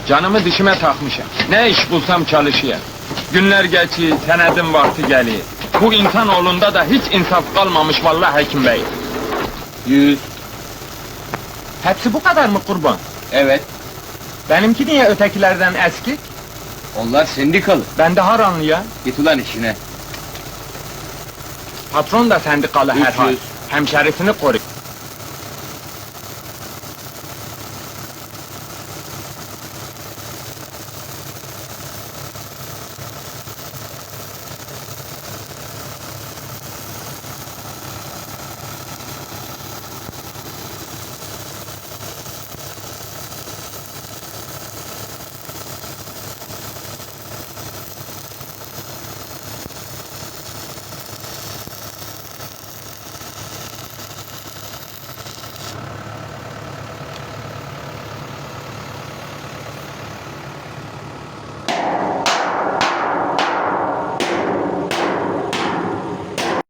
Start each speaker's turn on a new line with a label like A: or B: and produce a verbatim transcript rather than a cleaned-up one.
A: Canımı dişime takmışım. Ne iş bulsam çalışıyor. Günler geçiyor, senedim vakti geliyor. Bu insanoğlunda da hiç insaf kalmamış vallahi Hekim Bey.
B: Yüz.
A: Hepsi bu kadar mı kurban?
B: Evet.
A: Benimki niye ötekilerden eski?
B: Onlar sendikalı.
A: Ben de haranlı ya.
B: Git ulan işine.
A: Patron da sendikalı
B: Üç
A: herhal.
B: yüz.
A: Hemşerisini korur.